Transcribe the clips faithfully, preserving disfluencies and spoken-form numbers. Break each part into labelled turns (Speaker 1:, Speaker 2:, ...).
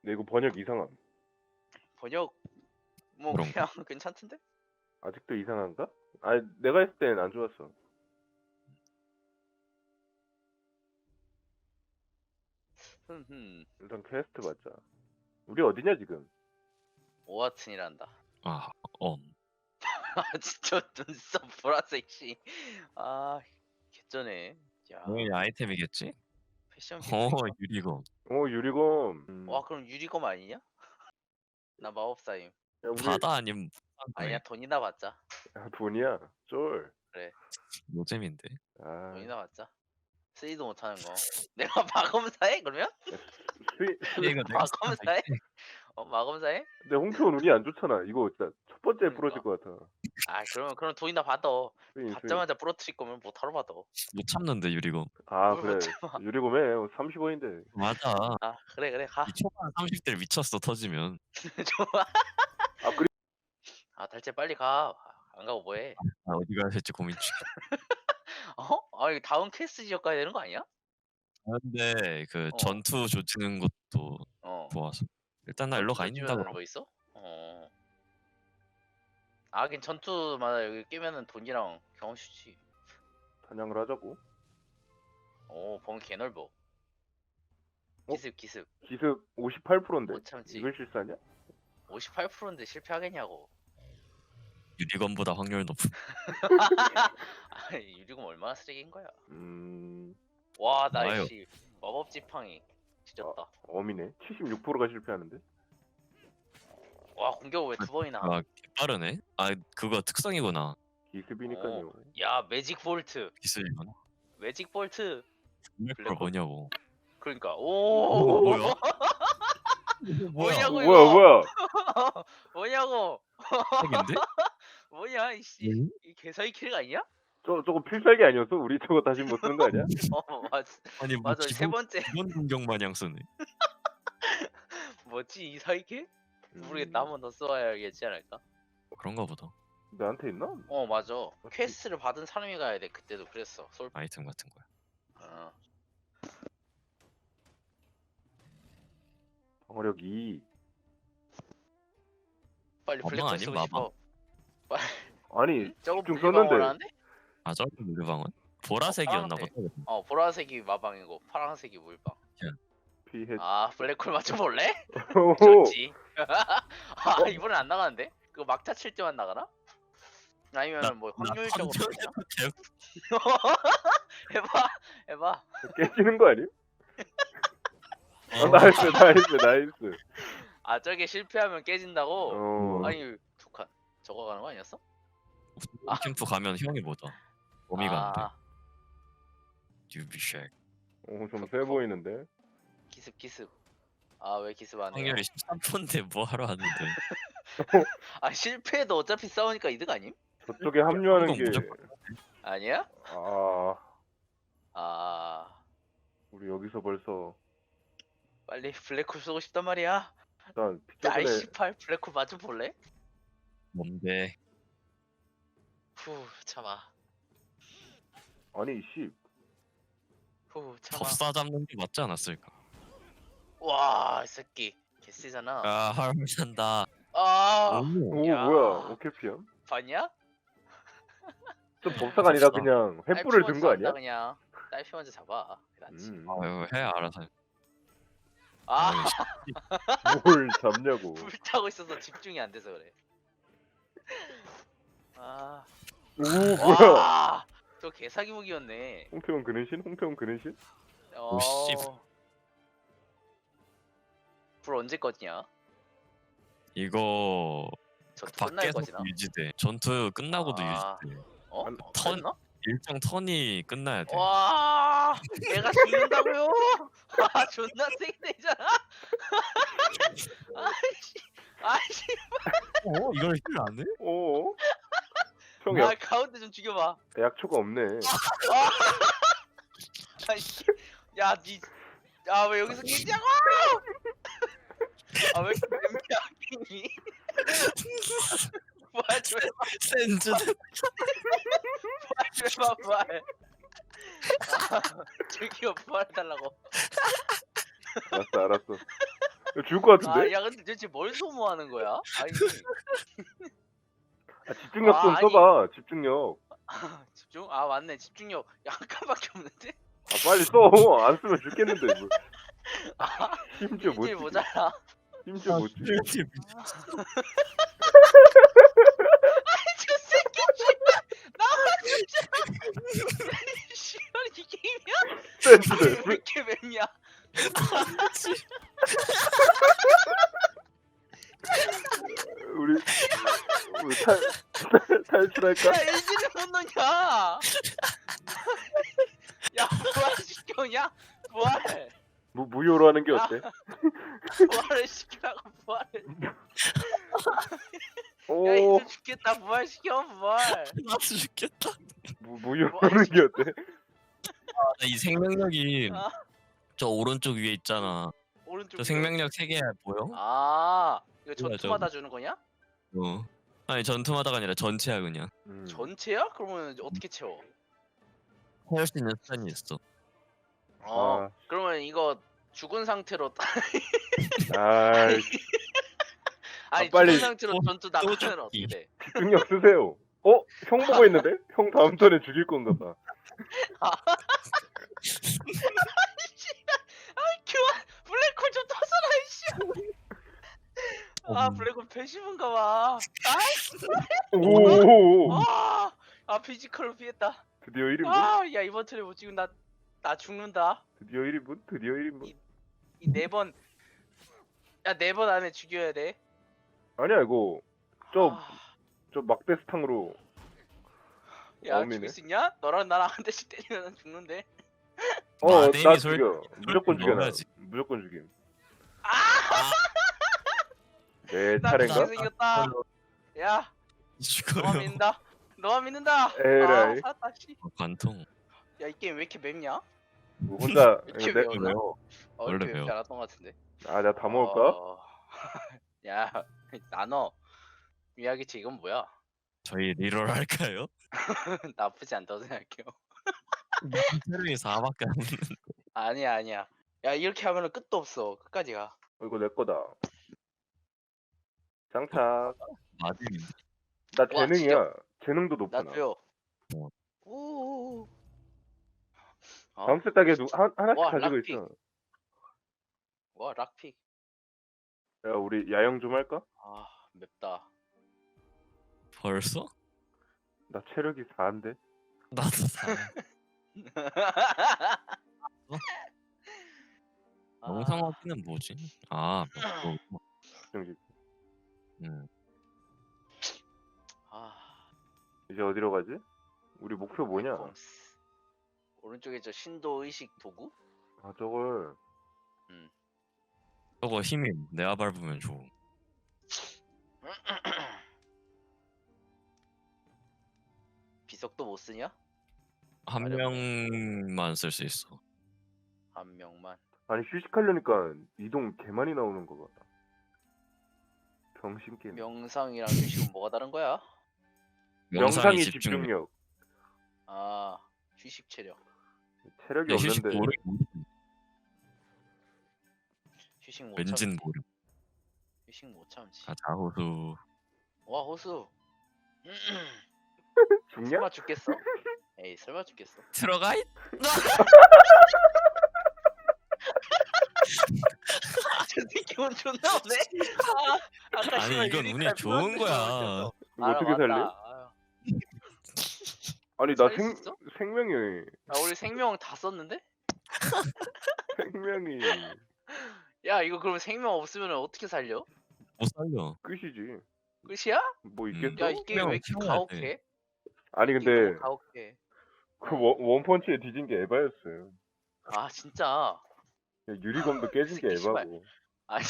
Speaker 1: 근데 이거 번역 이상함.
Speaker 2: 번역 뭐
Speaker 3: 그런가?
Speaker 2: 그냥 괜찮던데?
Speaker 1: 아직도 이상한가? 아니 내가 했을 땐 안 좋았어.
Speaker 2: 흠흠.
Speaker 1: 일단 퀘스트 받자. 우리 어디냐 지금?
Speaker 2: 오하튼이란다.
Speaker 3: 아, 어.
Speaker 2: 아 진짜 눈썹 보라색 씨. 아 개쩌네. 야
Speaker 3: 당연히 아이템이겠지?
Speaker 2: 패션
Speaker 3: 어,
Speaker 2: 개꿀이다.
Speaker 3: 유리검.
Speaker 1: 어 유리검. 음.
Speaker 2: 와 그럼 유리검 아니냐? 나 마법사임.
Speaker 1: 야, 우리
Speaker 3: 바다 아님
Speaker 2: 아니야 돈이나 받자.
Speaker 1: 야, 돈이야. 쫄.
Speaker 3: 노잼인데.
Speaker 1: 아.
Speaker 2: 돈이나 받자. 쓰지도 못하는 거. 내가 마검사해 그러면?
Speaker 1: 스위 스위.
Speaker 3: 이거 내가
Speaker 2: 마검사해? 어 마검사해?
Speaker 1: 근데 홍표는 운이 안 좋잖아. 이거 진짜 첫 번째
Speaker 2: 그러니까.
Speaker 1: 부러질 것 같아.
Speaker 2: 아 그러면 그럼 돈이나 받아.
Speaker 1: 스위 스위.
Speaker 2: 받자마자 부러뜨릴 거면 뭐 타러 받아.
Speaker 3: 못 참는데 유리검.
Speaker 1: 아
Speaker 2: 뭘
Speaker 1: 그래.
Speaker 2: 못 참아.
Speaker 1: 유리검에 삼십 원인데.
Speaker 3: 맞아.
Speaker 2: 아 그래 그래 가.
Speaker 3: 이 초반 삼십 대 미쳤어 터지면.
Speaker 2: 좋아.
Speaker 1: 아 그리.
Speaker 2: 아 달째 빨리 가. 안 가고 뭐해?
Speaker 3: 아, 어디 가야 될지 고민 중.
Speaker 2: 어? 아 이거 다음 퀘스트 지역 가야 되는 거 아니야?
Speaker 3: 근데 그
Speaker 2: 어.
Speaker 3: 전투 조지는 것도
Speaker 2: 어.
Speaker 3: 좋아서. 일단 나 일로 가 있는다고.
Speaker 2: 뭐 있어? 어. 아 하긴 전투마다 여기 깨면은 돈이랑 경험치지.
Speaker 1: 사냥을 하자고.
Speaker 2: 오 범위 개넓어.
Speaker 1: 어?
Speaker 2: 기습 기습.
Speaker 1: 기습 오십팔 퍼센트인데.
Speaker 2: 못 참지.
Speaker 1: 이걸 실수하냐?
Speaker 2: 오십팔 퍼센트인데 실패하겠냐고.
Speaker 3: 유리검보다 확률 높은.
Speaker 2: 아 유리금 얼마나 쓰레기인 거야.
Speaker 1: 음.
Speaker 2: 와 나
Speaker 3: 와요.
Speaker 2: 역시 마법 지팡이 지졌다.
Speaker 1: 어미네. 칠십육 퍼센트가 실패하는데.
Speaker 2: 와 공격 왜 두 번이나?
Speaker 3: 아, 빠르네. 아, 그거 특성이구나.
Speaker 1: 기습이니까요.
Speaker 2: 야 매직 볼트.
Speaker 3: 기술이구나.
Speaker 2: 매직 볼트.
Speaker 3: 블랙홀 뭐냐고.
Speaker 2: 그러니까
Speaker 3: 어,
Speaker 2: 오.
Speaker 3: 뭐야?
Speaker 2: 뭐냐고
Speaker 1: 뭐야
Speaker 2: 이거.
Speaker 1: 뭐야?
Speaker 2: 뭐냐고.
Speaker 3: 핵인데?
Speaker 2: 뭐냐 이씨.
Speaker 3: 응?
Speaker 2: 이 개사기 킬가 아니야?
Speaker 1: 저 저거 필살기 아니었어? 우리 저거 다시 못 쓰는 거 아니야?
Speaker 2: 어 맞.
Speaker 3: 아니 뭐
Speaker 2: 맞아 세
Speaker 3: 기본
Speaker 2: 번째.
Speaker 3: 기본 공격 마냥 쓰네.
Speaker 2: 뭐지 이 사이킬?
Speaker 1: 음.
Speaker 2: 모르겠다 한 번 더 써야겠지 않을까?
Speaker 3: 그런가 보다.
Speaker 1: 나한테 있나?
Speaker 2: 어 맞아. 퀘스트를 받은 사람이 가야 돼. 그때도 그랬어. 솔.
Speaker 3: 아이템 같은 거야.
Speaker 2: 어.
Speaker 1: 방어력 이.
Speaker 2: 빨리
Speaker 3: 마방
Speaker 2: 블랙홀
Speaker 3: 아님,
Speaker 2: 쓰고
Speaker 3: 마방?
Speaker 2: 싶어.
Speaker 1: 아니
Speaker 2: 저거
Speaker 1: 집중
Speaker 2: 분리방어를
Speaker 1: 썼는데.
Speaker 2: 하는데?
Speaker 3: 아, 저 물방은 보라색이었나
Speaker 2: 파란색.
Speaker 3: 보다.
Speaker 2: 어 보라색이 마방이고 파란색이 물방.
Speaker 1: 피해.
Speaker 2: 아 블랙홀 맞춰볼래?
Speaker 1: 오.
Speaker 2: 좋지. 아 이번엔 안 나가는데? 그거 막타 칠 때만 나가나? 아니면 뭐 확률적으로 되나? 해봐 해봐.
Speaker 1: 깨지는 거 아니야? 어,
Speaker 3: 어,
Speaker 1: 나이스 나이스 나이스.
Speaker 2: 아 저게 실패하면 깨진다고?
Speaker 1: 어.
Speaker 2: 아니 두 칸. 저거 가는 거 아니었어?
Speaker 3: 캠프 가면 형이 뭐다. 범위가 안 돼.
Speaker 2: 아
Speaker 3: 유비쉑.
Speaker 1: 어, 좀 세 보이는데.
Speaker 2: 기습 기습. 아 왜 기습 안 해요?
Speaker 3: 확률이 십삼 퍼센트인데 뭐 하러 하는데.
Speaker 2: 아 실패해도 어차피 싸우니까 이득 아님?
Speaker 1: 저쪽에 합류하는
Speaker 3: 한국
Speaker 1: 게.
Speaker 3: 무조건.
Speaker 2: 아니야?
Speaker 1: 아
Speaker 2: 아
Speaker 1: 우리 여기서 벌써
Speaker 2: 빨리 블랙홀 쏘고 싶단 말이야.
Speaker 1: 일단 피자 전에
Speaker 2: 나이십팔 블랙홀 맞춰 볼래?
Speaker 3: 뭔데?
Speaker 2: 후 참아.
Speaker 1: 아니 씨.
Speaker 2: 후 참아.
Speaker 3: 법사 잡는 게 맞지 않았을까?
Speaker 2: 와이 새끼 개쎄잖아.
Speaker 3: 아, 하루 산다.
Speaker 2: 아
Speaker 1: 오
Speaker 2: 야.
Speaker 1: 뭐야 오케피야?
Speaker 2: 봤냐?
Speaker 1: 좀 법사가 아니라
Speaker 3: 법사.
Speaker 1: 그냥 횃불을 든 거
Speaker 2: 딸피 먼저
Speaker 1: 아니야?
Speaker 2: 잡는다, 그냥 딸피 먼저 잡아. 낫지.
Speaker 1: 음,
Speaker 3: 아유, 해 알아서.
Speaker 2: 아
Speaker 1: 뭘 잡냐고.
Speaker 2: 불타고 있어서 집중이 안 돼서 그래. 아,
Speaker 1: 오 뭐야?
Speaker 2: 와, 저 개사기 무기였네.
Speaker 1: 홍태원 그는신? 홍태원 그는신?
Speaker 2: 어,
Speaker 3: 씨.
Speaker 2: 불 언제 꺼지냐?
Speaker 3: 이거
Speaker 2: 전투 끝날
Speaker 3: 밖에서
Speaker 2: 거지나?
Speaker 3: 유지돼. 전투 끝나고도
Speaker 2: 아.
Speaker 3: 유지돼.
Speaker 2: 어?
Speaker 1: 안-
Speaker 2: 어,
Speaker 3: 턴-
Speaker 2: 됐나?
Speaker 3: 일정 턴이 끝나야 돼.
Speaker 2: 와, 내가 죽는다고요? 아, 존나 세게되잖아. 아이씨, 아이씨,
Speaker 3: 어? 이걸 힐 안 해?
Speaker 1: 어? 형
Speaker 2: 아
Speaker 1: 약,
Speaker 2: 가운데 좀 죽여봐.
Speaker 1: 약초가 없네.
Speaker 2: 아이씨, 야, 니, 야, 왜 여기서 깨지냐고? 아, 왜 이렇게 냄새야, 끼니? 부활 좀 해봐,
Speaker 3: 센즈.
Speaker 2: 부활 좀 해봐, 부활. 아, 저기요, 부활해달라고.
Speaker 1: 알았어 알았어. 이거 죽을 것 같은데?
Speaker 2: 아, 야 근데 도대체 뭘 소모하는 거야? 아니
Speaker 1: 아, 집중력
Speaker 2: 아,
Speaker 1: 좀
Speaker 2: 아니.
Speaker 1: 써봐. 집중력.
Speaker 2: 집중? 아 맞네 집중력 약간밖에 없는데?
Speaker 1: 아 빨리 써. 안 쓰면 죽겠는데. 뭐.
Speaker 2: 아
Speaker 1: 심지어 못
Speaker 2: 일주일
Speaker 1: 죽여.
Speaker 2: 모자라.
Speaker 1: 심지어 못 죽여.
Speaker 2: 저 새끼 씨발 나와주자. 씨발 이 게임이야?
Speaker 1: 센스
Speaker 2: 왜
Speaker 1: 센스.
Speaker 2: 이렇게 맵냐?
Speaker 1: 우리 우리 탈 탈- 탈출할까?
Speaker 2: 야 엔진을 못 넣냐? 야 부활 시켜냐? 부활
Speaker 1: 무 무효로 하는 게
Speaker 2: 야.
Speaker 1: 어때?
Speaker 2: 부활을 시키라고 부활을. 야
Speaker 1: 오
Speaker 2: 이제 죽겠다 부활 시켜 부활.
Speaker 3: 나도 죽겠다.
Speaker 1: 무 무효로
Speaker 2: 뭐
Speaker 1: 하는 게 어때?
Speaker 3: 나 이 생명력이
Speaker 2: 아
Speaker 3: 저 오른쪽 위에 있잖아.
Speaker 2: 오른쪽.
Speaker 3: 저 생명력 세 개 보여?
Speaker 2: 아 이거
Speaker 3: 뭐야,
Speaker 2: 전투마다 주는 거냐?
Speaker 3: 어. 아니 전투마다가 아니라 전체야 그냥.
Speaker 1: 음.
Speaker 2: 전체야? 그러면 어떻게 채워?
Speaker 3: 할 수 있는 수단이 있어.
Speaker 2: 어
Speaker 1: 아.
Speaker 2: 그러면 이거 죽은 상태로 딱-
Speaker 1: 아이
Speaker 2: 아니
Speaker 1: 빨리
Speaker 2: 죽은 상태로
Speaker 3: 또-
Speaker 2: 전투
Speaker 3: 또
Speaker 2: 나가면
Speaker 3: 죽기.
Speaker 2: 어떻게 돼?
Speaker 1: 집중력 쓰세요. 어? 형 보고 있는데? 형 다음 턴에 죽일 건가 봐.
Speaker 2: 그만 블랙홀 좀 터져라 이씨. 아
Speaker 3: 음.
Speaker 2: 블랙홀 배신인가 봐.
Speaker 1: 오.
Speaker 2: 아, 아 피지컬로 피했다.
Speaker 1: 드디어 일 인분?
Speaker 2: 아, 야 이번 턴에 못 찍으면 나, 나 죽는다.
Speaker 1: 드디어 일 인분? 드디어 일 인분?
Speaker 2: 이 네 번, 야 네 번 안에 죽여야 돼.
Speaker 1: 아니야 이거 저
Speaker 2: 아,
Speaker 1: 저 막대스탕으로
Speaker 2: 야
Speaker 1: 어미네.
Speaker 2: 죽일 수 있냐? 너랑 나랑 한 대씩 때리면 죽는데.
Speaker 1: 어
Speaker 3: 마데미
Speaker 1: 나
Speaker 3: 솔-
Speaker 1: 죽여. 무조건 죽여 나.
Speaker 3: 넣어야지.
Speaker 1: 무조건 죽임.
Speaker 2: 아,
Speaker 1: 내
Speaker 2: 나
Speaker 1: 차례인가?
Speaker 2: 죽게 생겼다. 야,
Speaker 3: 죽어요.
Speaker 2: 너만 믿는다. 너만 믿는다.
Speaker 1: 에라이.
Speaker 2: 아, 살았다 씨.
Speaker 3: 어, 관통.
Speaker 2: 야 이 게임 왜 이렇게 맵냐?
Speaker 1: 뭐 혼자
Speaker 2: 이렇게
Speaker 1: 내,
Speaker 2: 매웠나?
Speaker 3: 왜요?
Speaker 2: 어,
Speaker 3: 원래
Speaker 2: 이렇게 맵지
Speaker 3: 매워.
Speaker 2: 않았던 것 같은데.
Speaker 1: 아 내가 다 먹을까?
Speaker 2: 어... 야, 나눠. 미야기치 이건 뭐야?
Speaker 3: 저희 리롤 할까요?
Speaker 2: 나쁘지 않다고 생각해요.
Speaker 3: 체력이 사밖에 안 되는.
Speaker 2: 아니야, 아니야. 야, 이렇게 하면은 끝도 없어. 끝까지 가.
Speaker 1: 어, 이거 내 거다. 장착.
Speaker 3: 마데미.
Speaker 1: 나
Speaker 2: 와,
Speaker 1: 재능이야. 재능도 높아. 나.
Speaker 2: 나도요.
Speaker 3: 어.
Speaker 2: 오. 어?
Speaker 1: 다음 세탁에 누 한, 하나씩
Speaker 2: 와,
Speaker 1: 가지고
Speaker 2: 락픽.
Speaker 1: 있어.
Speaker 2: 와, 락픽.
Speaker 1: 야 우리 야영 좀 할까?
Speaker 2: 아, 맵다.
Speaker 3: 벌써?
Speaker 1: 나 체력이 사인데.
Speaker 3: 나도 사. 영상 확인은 뭐지? 아, 뭐,
Speaker 1: 정식.
Speaker 3: 음.
Speaker 2: 아,
Speaker 1: 이제 어디로 가지? 우리 목표 뭐냐?
Speaker 2: 콤스. 오른쪽에 저 신도 의식 도구?
Speaker 1: 아 저걸
Speaker 3: 저거 힘이 내가 밟으면 좋음.
Speaker 2: 비석도 못 쓰냐?
Speaker 3: 한 명만 쓸 수 있어.
Speaker 2: 한 명만.
Speaker 1: 아니 휴식하려니까 이동 개 많이 나오는 거 같다. 병신 게임.
Speaker 2: 명상이랑 휴식은 뭐가 다른 거야?
Speaker 1: 명상이 집중력.
Speaker 2: 아, 휴식 체력.
Speaker 1: 체력이
Speaker 3: 야, 휴식
Speaker 1: 없는데.
Speaker 3: 모르.
Speaker 2: 휴식 못
Speaker 3: 왠진
Speaker 2: 참지.
Speaker 3: 모르.
Speaker 2: 휴식 못 참지.
Speaker 3: 가자 호수.
Speaker 2: 와, 호수.
Speaker 1: 죽냐?
Speaker 2: 설마 죽겠어? 에이, 설마 죽겠어?
Speaker 3: 들어가 있.
Speaker 2: 저 새끼 운 존나 없네. 아, 아까
Speaker 3: 아니
Speaker 2: 씨발
Speaker 3: 이건
Speaker 2: 유니칼
Speaker 3: 운이 좋은
Speaker 2: 플러스
Speaker 3: 거야.
Speaker 2: 넣어줬어.
Speaker 1: 이거
Speaker 2: 알아,
Speaker 1: 어떻게
Speaker 2: 맞다.
Speaker 1: 살래?
Speaker 2: 아유.
Speaker 1: 아니 나
Speaker 2: 살릴
Speaker 1: 생
Speaker 2: 수 있어?
Speaker 1: 생명이
Speaker 2: 아, 우리 생명 다 썼는데?
Speaker 1: 생명이
Speaker 2: 야, 이거 그러면 생명 없으면 어떻게 살려?
Speaker 3: 못 살려.
Speaker 1: 끝이지.
Speaker 2: 끝이야?
Speaker 1: 뭐
Speaker 3: 음.
Speaker 1: 있겠어?
Speaker 2: 야, 이 게임 왜 이렇게
Speaker 3: 생명을 키워야
Speaker 2: 가혹해?
Speaker 1: 아니
Speaker 2: 이
Speaker 1: 근데
Speaker 2: 게임 너무 가혹해.
Speaker 1: 그 원, 원펀치에 뒤진 게 에바였어요.
Speaker 2: 아, 진짜.
Speaker 1: 유리검도 깨진 게
Speaker 2: 새끼 씨발.
Speaker 1: 에바고.
Speaker 2: 아니.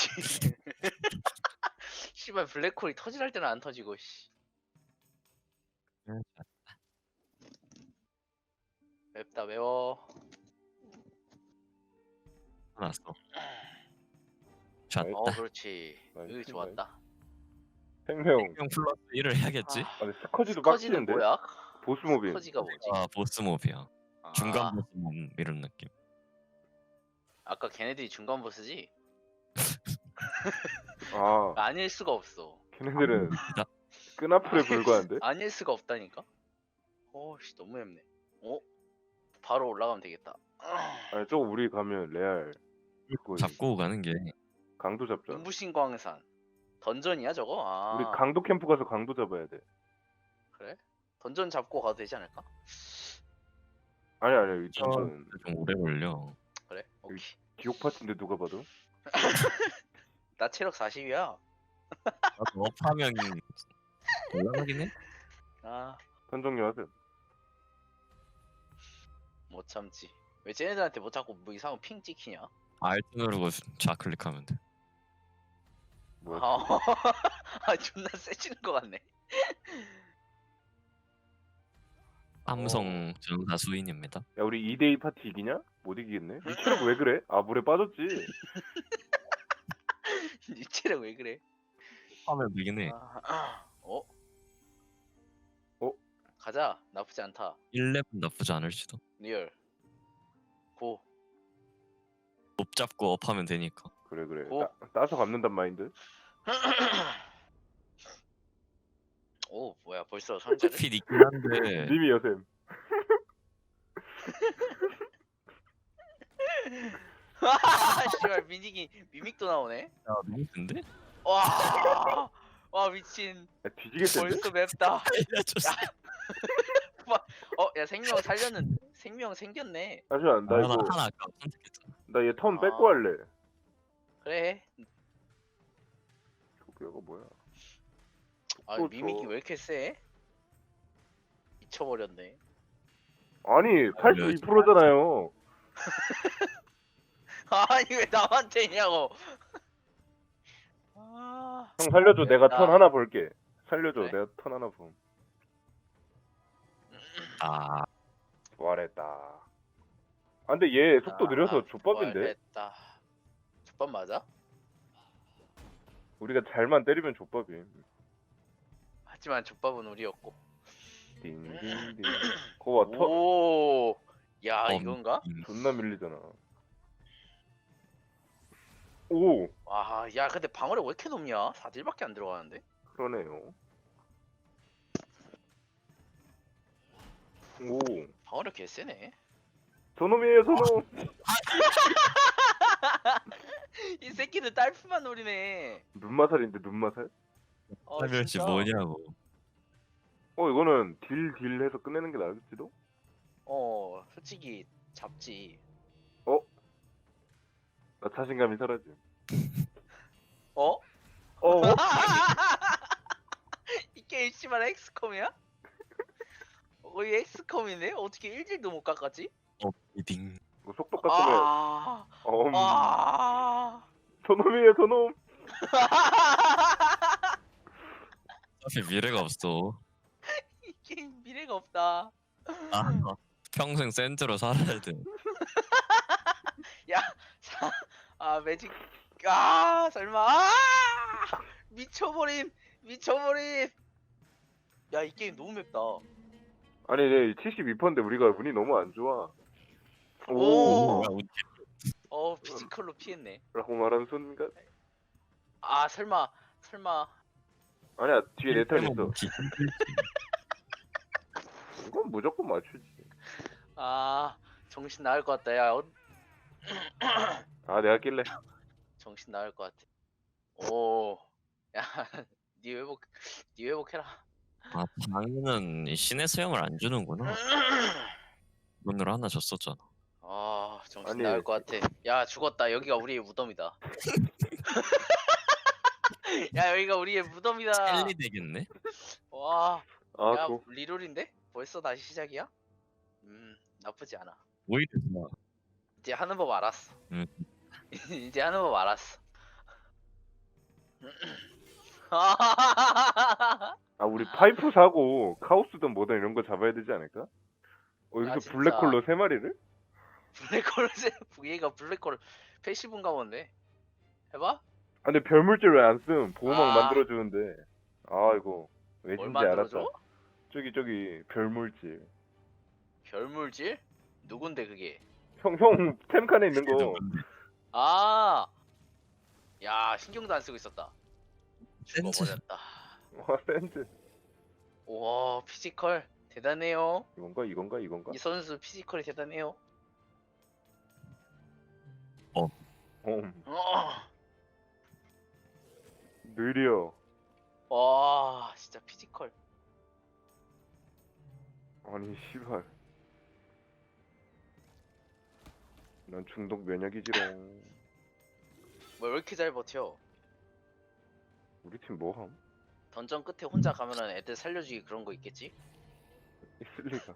Speaker 2: 씨발 블랙홀이 터질할 때는 안 터지고 씨. 맵다 매워.
Speaker 3: 났어. 샷.
Speaker 1: 나이스.
Speaker 2: 어, 그렇지.
Speaker 1: 나이스,
Speaker 2: 여기 좋았다.
Speaker 1: 생명.
Speaker 3: 형 플러스 일을 해야겠지.
Speaker 2: 아,
Speaker 1: 아니 스커지도
Speaker 2: 스커지는
Speaker 1: 빡치는데.
Speaker 2: 뭐야?
Speaker 1: 보스 모빌.
Speaker 2: 스커지가 뭐지?
Speaker 3: 아 보스 몹이야.
Speaker 2: 아,
Speaker 3: 중간 보스 몹 이런 느낌.
Speaker 2: 아까 걔네들이 중간 보스지?
Speaker 1: 아
Speaker 2: 아닐 수가 없어.
Speaker 1: 걔네들은
Speaker 3: 나-
Speaker 1: 끈앞풀에 불과한데?
Speaker 2: 아닐 수가 없다니까. 어씨 너무 얇네. 어? 바로 올라가면 되겠다.
Speaker 1: 아니 저거 우리 가면 레알 그거
Speaker 3: 잡고 가는 게
Speaker 1: 강도 잡자.
Speaker 2: 눈부신광산 던전이야 저거? 아
Speaker 1: 우리 강도 캠프 가서 강도 잡아야 돼.
Speaker 2: 그래? 던전 잡고 가도 되지 않을까?
Speaker 1: 아니 아니 이
Speaker 3: 좀
Speaker 1: 정도는
Speaker 3: 좀 오래 걸려.
Speaker 2: 그래? 오케이.
Speaker 1: 기록 파티인데 누가 봐도.
Speaker 2: 나 체력 사십이야.
Speaker 3: 나도 업하면 올라가긴 해.
Speaker 2: 아
Speaker 1: 선정료 하세요.
Speaker 2: 못 참지. 왜 쟤네들한테 못 자꾸 뭐 이상한 핑 찍히냐?
Speaker 3: 알트 누르고 좌클릭하면 돼.
Speaker 1: 뭐야?
Speaker 2: 아, 아 존나 세지는 것 같네.
Speaker 3: 삼성 전사 수인입니다.
Speaker 1: 야 우리 이 대이 파티 이기냐? 못 이기겠네. 이 체력 왜 그래? 아 물에 빠졌지.
Speaker 2: 이 체력 왜 그래?
Speaker 3: 하면 되긴 해.
Speaker 2: 아, 어?
Speaker 1: 어?
Speaker 2: 가자. 나쁘지 않다.
Speaker 3: 일 렙 나쁘지 않을지도.
Speaker 2: 리얼. 고.
Speaker 3: 못 잡고 업하면 되니까.
Speaker 1: 그래 그래.
Speaker 2: 오.
Speaker 1: 따, 따서 갚는단 마인드.
Speaker 2: 오 뭐야 벌써 상자를?
Speaker 3: 핏 있긴 한데
Speaker 1: 님이 여셈.
Speaker 2: 아 씨발 미닉이 미믹도 나오네.
Speaker 3: 야 너무 큰데?
Speaker 2: 와. 와 미친.
Speaker 1: 야, 뒤지겠는데?
Speaker 2: 벌써 맵다.
Speaker 3: 알려줬어.
Speaker 2: 어 야 생명 살렸는 생명 생겼네.
Speaker 1: 잠시만 나
Speaker 3: 아, 나
Speaker 1: 이거
Speaker 3: 하나 아까 선택했잖아.
Speaker 1: 나 얘 턴
Speaker 2: 아.
Speaker 1: 뺏고 할래.
Speaker 2: 그래.
Speaker 1: 저거 이거 뭐야?
Speaker 2: 아
Speaker 1: 또
Speaker 2: 미믹이
Speaker 1: 저-
Speaker 2: 왜 이렇게 세? 미쳐버렸네.
Speaker 1: 아니 팔십이 퍼센트잖아요.
Speaker 2: 아니 왜 남한테 있냐고. 아.
Speaker 1: 형 살려줘. 내가
Speaker 2: 야.
Speaker 1: 턴 하나 볼게. 살려줘.
Speaker 2: 그래?
Speaker 1: 내가 턴 하나 봄.
Speaker 3: 아
Speaker 1: 부활했다. 아 근데 얘 속도 느려서
Speaker 2: 아,
Speaker 1: 족밥인데?
Speaker 2: 됐다. 족밥 맞아?
Speaker 1: 우리가 잘만 때리면 족밥이.
Speaker 2: 하지만 족밥은 우리였고.
Speaker 1: 딩딩딩. 거봐 턴
Speaker 2: 오. 야
Speaker 3: 어,
Speaker 2: 이건가?
Speaker 3: 음,
Speaker 1: 존나 밀리잖아. 오
Speaker 2: 와, 야 근데 방어력 왜 이렇게 높냐? 사 딜밖에 안 들어가는데?
Speaker 1: 그러네요. 오
Speaker 2: 방어력 개쎄네.
Speaker 1: 저놈이에요 저놈.
Speaker 2: 이 새끼들 딸프만 노리네.
Speaker 1: 눈마살인데 눈마살?
Speaker 2: 어,
Speaker 3: 살멸시
Speaker 2: 진짜.
Speaker 3: 뭐냐고.
Speaker 1: 어 이거는 딜 딜 해서 끝내는 게 나을지도?
Speaker 2: 어, 솔직히 잡지.
Speaker 1: 나 자신감이 사라짐.
Speaker 2: 어?
Speaker 1: 어?
Speaker 2: 이 게임 씨발 엑스컴이야? 거의 엑스컴이네? 어떻게 일 딜도 못 깎았지?
Speaker 3: 어 이딩.
Speaker 1: 뭐 속도 깎으면
Speaker 2: 아,
Speaker 1: 어, 음.
Speaker 2: 아,
Speaker 1: 저놈이에요 저놈.
Speaker 3: 사실 미래가 없어.
Speaker 2: 이 게임 미래가 없다.
Speaker 3: 아 평생 센트로 살아야 돼.
Speaker 2: 사- 아 매직 아 설마 아 미쳐버린 미쳐버린. 야 이 게임 너무 맵다.
Speaker 1: 아니 네 칠십이 퍼센트인데 우리가 운이 너무 안 좋아.
Speaker 2: 오.
Speaker 1: 오.
Speaker 3: 뭐야, 우리
Speaker 2: 어 피지컬로 피했네.
Speaker 1: 라고 말하는 순간
Speaker 2: 아 설마 설마
Speaker 1: 아니야 뒤에 내 턴
Speaker 3: 일대만
Speaker 1: 있어.
Speaker 3: 먹기 힘들지.
Speaker 1: 이건 무조건 맞추지.
Speaker 2: 아 정신 나갈 것 같다. 야 어,
Speaker 1: 아 내가 낄래.
Speaker 2: 정신 나갈 것 같아. 오, 야, 니 회복, 니 회복해라.
Speaker 3: 아 방에는 이 신의 수염을 안 주는구나. 오늘 하나 줬었잖아.
Speaker 2: 아, 정신
Speaker 1: 아니.
Speaker 2: 나갈 것 같아. 야, 죽었다. 여기가 우리의 무덤이다. 야, 여기가 우리의 무덤이다.
Speaker 3: 셀리 되겠네.
Speaker 2: 와,
Speaker 1: 아
Speaker 2: 야,
Speaker 1: 또.
Speaker 2: 리롤인데? 벌써 다시 시작이야? 음, 나쁘지 않아.
Speaker 3: 오히려 좋아.
Speaker 2: 이제 하는 법 알았어.
Speaker 3: 음.
Speaker 2: 이제 하는 법 알았어.
Speaker 1: 아 우리 파이프 사고 카오스든 뭐든 이런 거 잡아야 되지 않을까? 어
Speaker 2: 아,
Speaker 1: 여기서
Speaker 2: 진짜.
Speaker 1: 블랙홀로 세 마리를?
Speaker 2: 블랙홀, 얘가 블랙홀 패시브인가 본데. 해봐?
Speaker 1: 아 근데 별물질 왜 안 씀? 보호막
Speaker 2: 아.
Speaker 1: 만들어주는데. 아 이거
Speaker 2: 뭘
Speaker 1: 왜인지
Speaker 2: 만들어줘?
Speaker 1: 알았다. 저기 저기 별물질.
Speaker 2: 별물질? 누군데 그게?
Speaker 1: 형 형 템칸에 있는 거.
Speaker 2: 아, 야 신경도 안 쓰고 있었다.
Speaker 3: 센스.
Speaker 2: 죽어버렸다.
Speaker 1: 와 센스.
Speaker 2: 와 피지컬 대단해요.
Speaker 1: 이건가 이건가 이건가?
Speaker 2: 이 선수 피지컬이 대단해요.
Speaker 1: 어.
Speaker 2: 어.
Speaker 1: 느려.
Speaker 2: 와 진짜 피지컬.
Speaker 1: 아니 씨발. 난 중독 면역이지롱.
Speaker 2: 뭐 왜 이렇게 잘 버텨?
Speaker 1: 우리 팀 뭐함?
Speaker 2: 던전 끝에 혼자 가면은 애들 살려주기 그런 거 있겠지?
Speaker 1: 있을 리가.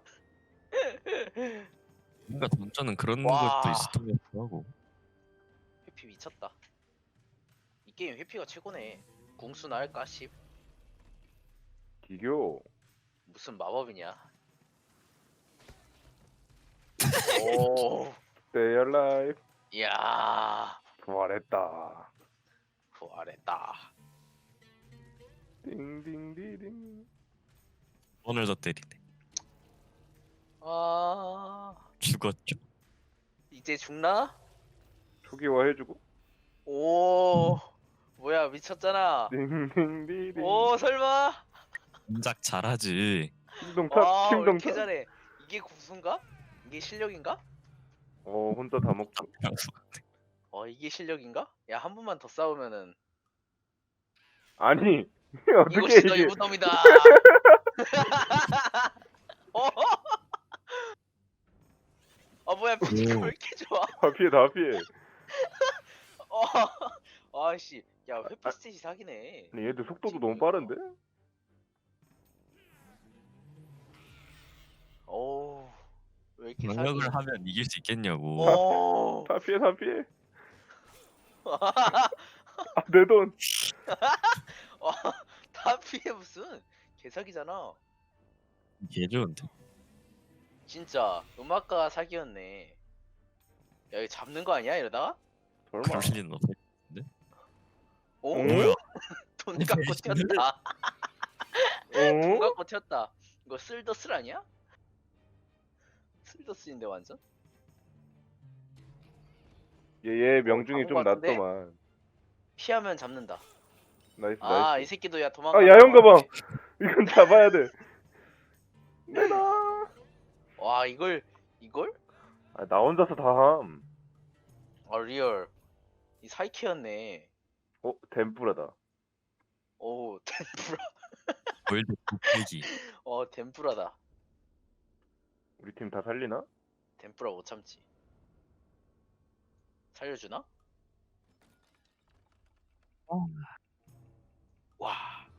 Speaker 3: 뭔가 던전은 그런
Speaker 2: 와.
Speaker 3: 것도 있었던 것 같기도 하고.
Speaker 2: 회피 미쳤다. 이 게임 회피가 최고네. 궁수나 할까 십.
Speaker 1: 기교.
Speaker 2: 무슨 마법이냐? 오,
Speaker 1: Stay alive.
Speaker 2: 이야,
Speaker 1: 부활했다.
Speaker 2: 부활했다.
Speaker 1: 띵띵디딩.
Speaker 3: 오늘 더 때리네.
Speaker 2: 아,
Speaker 3: 죽었죠.
Speaker 2: 이제 죽나?
Speaker 1: 초기화 해주고.
Speaker 2: 오, 뭐야 미쳤잖아.
Speaker 1: 띵띵디딩.
Speaker 2: 오, 설마?
Speaker 3: 동작 잘하지.
Speaker 1: 킹동탑
Speaker 2: 와, 왜 이렇게
Speaker 1: 킹동탑.
Speaker 2: 잘해? 이게 구수인가? 이게 실력인가?
Speaker 1: 어 혼자 다 먹고.
Speaker 2: 어, 이게 실력인가? 야, 한 번만 더 싸우면은
Speaker 1: 아니 어떻게
Speaker 2: 이것이 너의
Speaker 1: 이게?
Speaker 2: 무덤이다. 어? 아 뭐야 피지컬
Speaker 3: 오.
Speaker 2: 왜 이렇게 좋아?
Speaker 1: 다 피해 다 피해.
Speaker 2: 어, 아씨, 야 회피 스탯이 사기네.
Speaker 1: 아니 얘들 속도도 너무 빠른데?
Speaker 2: 오, 왜 이렇게 사기?
Speaker 3: 방역을 하면 이길 수 있겠냐고.
Speaker 2: 오,
Speaker 1: 다 피해 다 피해. 아, 내 돈.
Speaker 2: 어, 다 피해 무슨 개사기잖아.
Speaker 3: 개 좋은데.
Speaker 2: 진짜 음악가 사기였네. 야 이거 잡는 거 아니야 이러다가?
Speaker 1: 설마.
Speaker 3: 그럴 리는 없어.
Speaker 2: 오,
Speaker 1: 응?
Speaker 3: 뭐야?
Speaker 2: 돈 갖고 튀었다. 돈
Speaker 1: 어?
Speaker 2: 갖고 튀었다. 이거 쓸더슬 아니야? 쓸더슬인데 완전?
Speaker 1: 얘얘 명중이
Speaker 2: 어,
Speaker 1: 좀
Speaker 2: 바본 것 같은데?
Speaker 1: 낮더만.
Speaker 2: 피하면 잡는다.
Speaker 1: 나이스
Speaker 2: 아 이
Speaker 1: 나이스.
Speaker 2: 새끼도 야 도망가.
Speaker 1: 아 야영 가방. 이건 잡아야 돼. 내놔.
Speaker 2: 와 이걸 이걸?
Speaker 1: 아, 나 혼자서 다 함.
Speaker 2: 아 리얼. 이 사이키였네.
Speaker 1: 어 덴뿌라다.
Speaker 2: 오 덴푸라.
Speaker 3: 월드 곱빼기.
Speaker 2: 어 덴푸라다.
Speaker 1: 우리 팀 다 살리나?
Speaker 2: 덴푸라 못 참지. 살려주나? 와.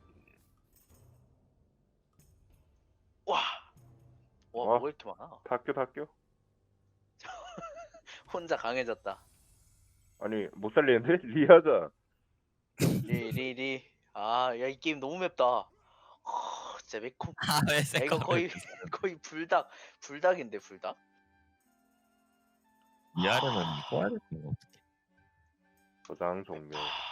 Speaker 2: 와. 와,
Speaker 1: 와.
Speaker 2: 뭐가 이렇게 많아?
Speaker 1: 다 껴 다 껴.
Speaker 2: 혼자 강해졌다.
Speaker 1: 아니 못 살리는데? 리하자.
Speaker 2: 리리리. 아, 야, 이 게임 너무 맵다. 아, 진짜 매콤.
Speaker 3: 아왜
Speaker 2: 야,
Speaker 3: 세컨?
Speaker 2: 이거 거의 거의 불닭. 불닭인데 불닭?
Speaker 3: 이하려면 꼬아야 되는 거 어떻게?
Speaker 1: 저장 종료.
Speaker 2: 아,